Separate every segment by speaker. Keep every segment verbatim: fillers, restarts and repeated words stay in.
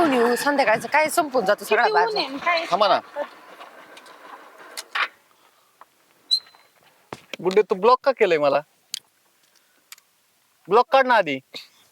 Speaker 1: घेऊन येऊ संध्याकाळचं काय संपून जातो सगळा
Speaker 2: किती ऊन
Speaker 1: बाजार.
Speaker 2: आहे, काय
Speaker 3: थांबा ना गुड्डे, तू ब्लॉक का केलंय मला? ब्लॉक काढ ना आधी.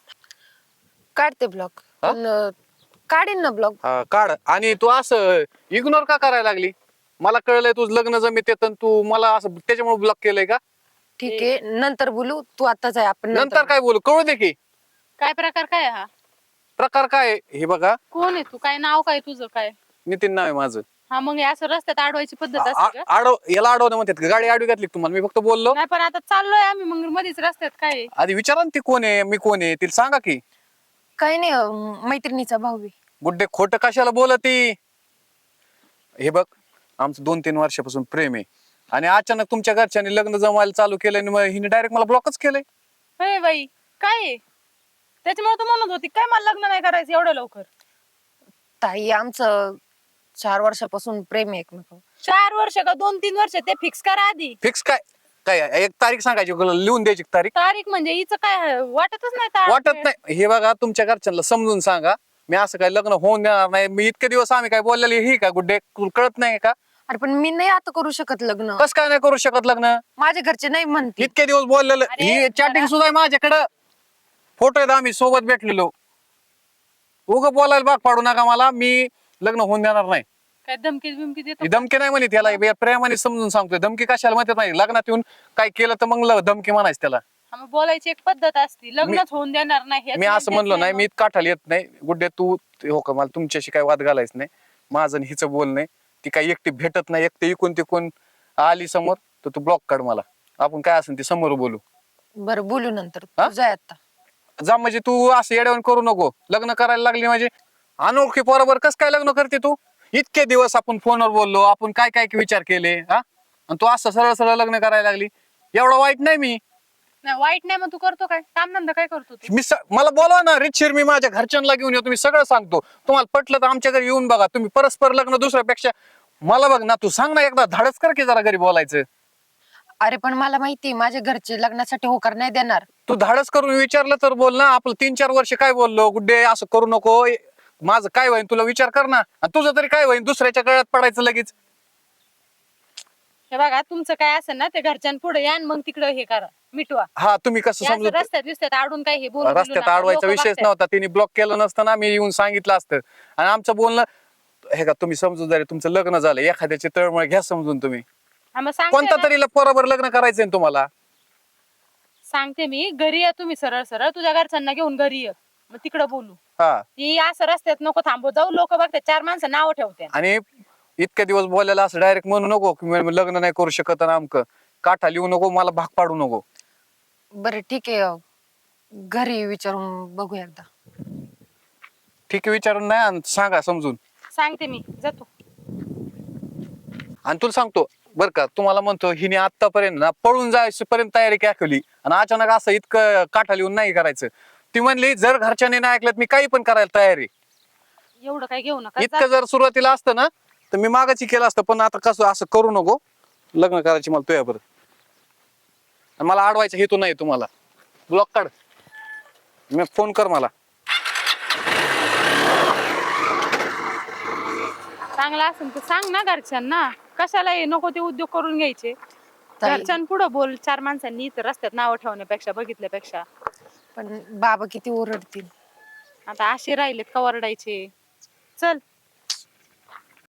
Speaker 1: काढते ब्लॉक
Speaker 3: हा?
Speaker 1: पण अं, काढीन ना ब्लॉक.
Speaker 3: हा काढ. आणि तू असं इग्नोर का करायला लागली? मला कळलंय तुझं लग्न जमीत येतं, तू मला असं त्याच्यामुळे ब्लॉक केलंय का?
Speaker 1: ठीक आहे नंतर बोलू, तू आताच आहे आपण
Speaker 3: नंतर काय बोलू? कळू दे की
Speaker 2: काय प्रकार काय हा?
Speaker 3: प्रकार काय आहे. हे बघा,
Speaker 2: कोण आहे तू? काय नाव काय तुझं? काय
Speaker 3: नितीन नाव आहे माझं.
Speaker 2: हा मग हे असं रस्त्यात अडवायची पद्धत
Speaker 3: आ-
Speaker 2: असते का?
Speaker 3: आ- आडव याला अडवणं म्हणतात का? गाडी आडवी घातली का तुम्हाला? मी फक्त बोललो.
Speaker 2: नाही पण आता चाललोय आम्ही मग मध्येच रस्त्यात काय आहे?
Speaker 3: आधी विचारा ना ती कोण आहे, मी कोण आहे, तिला सांगा की.
Speaker 1: काही नाही अं, मैत्रिणीचा भाऊ आहे.
Speaker 3: गुड्डे खोटं कशाला बोलती? हे बघ, आमचं दोन तीन वर्षापासून प्रेम आहे आणि अचानक तुमच्या घरच्यांनी लग्न जमायला चालू केलं आणि मग हिने डायरेक्ट मला ब्लॉकच केलंय.
Speaker 2: हे बाई काय आहे? त्याच्यामुळे तू म्हणत होती काय मला लग्न नाही करायचं एवढं लवकर?
Speaker 1: ताई आमचं चार वर्षापासून प्रेम आहे एकमेकावर.
Speaker 2: चार वर्ष का दोन तीन वर्ष ते फिक्स करा आधी.
Speaker 3: फिक्स काय काय एक तारीख सांगायची, लिहून द्यायची तारीख.
Speaker 2: तारीख म्हणजे हिचं काय आहे? वाटतच नाही तारीख.
Speaker 3: वाटत नाही. हे बघा, तुमच्या घरच्यांना समजून सांगा, मी असं काय लग्न होऊन देणार नाही. मी इतके दिवस आम्ही काय बोललेली ही का गुड्डे, तुला कळत नाही का?
Speaker 1: अरे पण मी नाही आता करू शकत लग्न.
Speaker 3: कस काय नाही करू शकत लग्न?
Speaker 1: माझ्या घरचे नाही म्हणते.
Speaker 3: इतके दिवस बोललेलं,
Speaker 2: अरे,
Speaker 3: ही चॅटिंग
Speaker 2: जरा-
Speaker 3: सुद्धा आहे माझ्याकडं. फोटो आहेत आम्ही सोबत भेटलेलो. उग बोलायला भाग पाडू नका मला. मी लग्न होऊन देणार नाही.
Speaker 2: काय धमकी बिमकी देतो
Speaker 3: ही धमकी नाही म्हणे त्याला, हे प्रेमाने समजून सांगतोय. धमकी कशाला म्हणतात नाही. लग्नात येऊन काय केलं तर मग ल- धमकी म्हणायचं त्याला.
Speaker 2: हा, मग बोलायची एक पद्धत असती. लग्नच होऊन देणार नाही हेच
Speaker 3: मी असं
Speaker 2: म्हणतेच
Speaker 3: म्हणलो नाही,
Speaker 2: मग.
Speaker 3: मी काठाला येत नाही. गुड्डे तू हो का, मला तुमच्याशी काय वाद घालायच नाही. माझं आणि हिचं बोल नाही. ती काही एकटी भेटत नाही. एकटी इकून तिकून आली समोर तर तू ब्लॉक काढ मला. आपण काय असेल ते समोर बोलू.
Speaker 1: बरं बोलू नंतर.
Speaker 3: हा?
Speaker 1: तू जाय आता.
Speaker 3: जा म्हणजे तू असं येड्यावून करू नको. लग्न करायला लागली म्हणजे अनोळखी पोराबर कस काय लग्न करते तू? इतके दिवस आपण फोनवर बोललो, आपण काय काय विचार केले हा, आणि तू असं सरळ सरळ लग्न करायला लागली. एवढं वाईट नाही मी.
Speaker 2: नाही वाईट नाही, मग तू करतो काय कामधंदा? काय करतो तू?
Speaker 3: मी स- मला बोलवा ना रितशीर, मी माझ्या घरच्यांना घेऊन येतो. मी सगळं सांगतो. तुम्हाला पटलं तर आमच्या घरी येऊन बघा. तुम्ही परस्पर लग्न दुसऱ्यापेक्षा मला बघ ना, तू सांग ना एकदा, धाडस कर की जरा घरी बोलायचं.
Speaker 1: अरे पण मला माहिती माझ्या घरचे लग्नासाठी होकार नाही देणार.
Speaker 3: तू धाडस करून विचारलं तर बोल ना. आपलं तीन चार वर्ष काय बोललो, गुड्डे असं करू नको, माझं काय होईन तुला विचार कर ना. आणि तुझं तरी काय होईन, दुसऱ्याच्या गळ्यात पडायचं लगेच.
Speaker 2: हे बघा तुमचं काय असेल ना ते घरच्यांपुढे या आणि मग तिकडे हे करा, मिटवा.
Speaker 3: हा तुम्ही कसं
Speaker 2: हे असं
Speaker 3: समजू,
Speaker 2: रस्त्यात विस्त्यात आडून काय हे बोलू बिलू
Speaker 3: रस्त्यात
Speaker 2: नका.
Speaker 3: अडवायचा
Speaker 2: लोकं
Speaker 3: विषयच
Speaker 2: बघतायत.
Speaker 3: नव्हता. तिने ब्लॉक केलं नसतं ना, मी येऊन सांगितलं असतं. आणि आमचं बोलणं हे का तुम्ही समजून, तुमचं लग्न झालं, एखाद्याची तळमळ घ्या समजून तुम्ही.
Speaker 2: हा, मग सांगते
Speaker 3: कोणता
Speaker 2: ना.
Speaker 3: तरी पोराबर लग्न करायचंय ना तुम्हाला.
Speaker 2: सांगते मी, घरी या तुम्ही सरळ सरळ तुझ्या घरच्यांना घेऊन घरी ये, मग तिकडे बोलू.
Speaker 3: हा,
Speaker 2: ती असं रस्त्यात नको थांबू जाऊ, लोक बघतात चार माणसं नाव ठेवते.
Speaker 3: आणि इतके दिवस बोलायला असं डायरेक्ट म्हणू नको की मी लग्न नाही करू शकत आणि आमक काठा लिहू नको, मला भाग पाडू नको.
Speaker 1: बरं ठीक आहे अं, घरी विचारून बघू एकदा.
Speaker 3: ठीक आहे, विचारून नाही आणि सांगा समजून.
Speaker 2: सांगते मी, जातो.
Speaker 3: आणि तुला सांगतो बर का, तुम्हाला म्हणतो हिने आतापर्यंत ना पळून जायपर्यंत तयारी केली आणि अचानक असं इतकं काठा लिहून नाही करायचं. ती म्हणली जर घरच्यांनी नाही ऐकलं मी काही पण करायला तयार आहे.
Speaker 2: एवढं काय घेऊ नका.
Speaker 3: इतकं जर सुरुवातीला असतं ना तर मी मागाची केलं असतं, पण आता कसं असं करू नको. लग्न करायची मला तुझ्या बरं, आणि मला अडवायचा हेतू नाही तुम्हाला. ब्लॉक काढ, मी फोन कर मला.
Speaker 2: चांगला असेल तर सांग ना घरच्यांना, कशाला हे नको ते उद्योग करून घ्यायचे.
Speaker 1: ताई-
Speaker 2: घरच्यांपुढे बोल, चार माणसांनी इथं रस्त्यात नाव ठेवण्यापेक्षा बघितल्यापेक्षा.
Speaker 1: पण बाबा किती ओरडतील.
Speaker 2: आता असे राहिलेत का ओरडायचे. चल